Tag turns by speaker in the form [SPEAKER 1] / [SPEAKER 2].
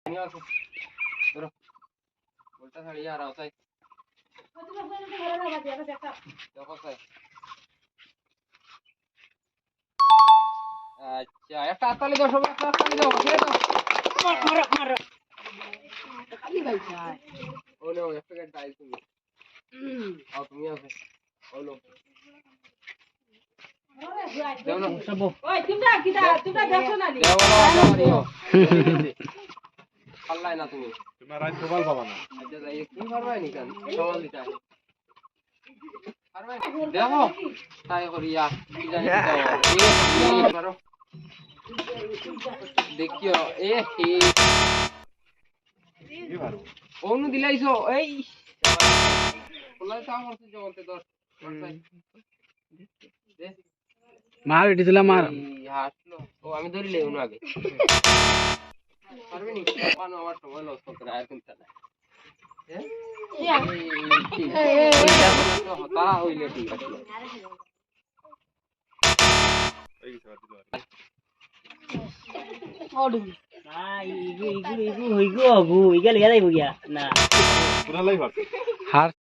[SPEAKER 1] উল্টা ছাড়ি আর আওতাই আচ্ছা একটা হাততালি দাও সবাই একটা হাততালি দাও কে দাও মারো মারো খালি ভাই চাই ও নো একটা গেট ডাই তুমি আও তুমি আছে হলো দেও না সব ওই তোমরা দেখো না নি দেও পাল্লাই না তুমি তোমার রাত গোপাল বাবা না আচ্ছা যাই তুমি পারবাই নি কেন সওয়াল দিতা পারবাই দেখো তাই করিয়া কি জানি তো মারো দেখিও এ হে কি মারো ওনু দিলাইছো এই পলাই তা মরতে জগতে দর দে মার এটি দিলা মার হাসলো ও আমি ধরিলে ওনু আগে পারবে নি পানো আমার সময় লস করে আর কোনটা না হতা হইলে ঠিক আছে
[SPEAKER 2] হইগো হগু ইগা লিয়া যাইব গিয়া না
[SPEAKER 1] পুরা লাই ভাত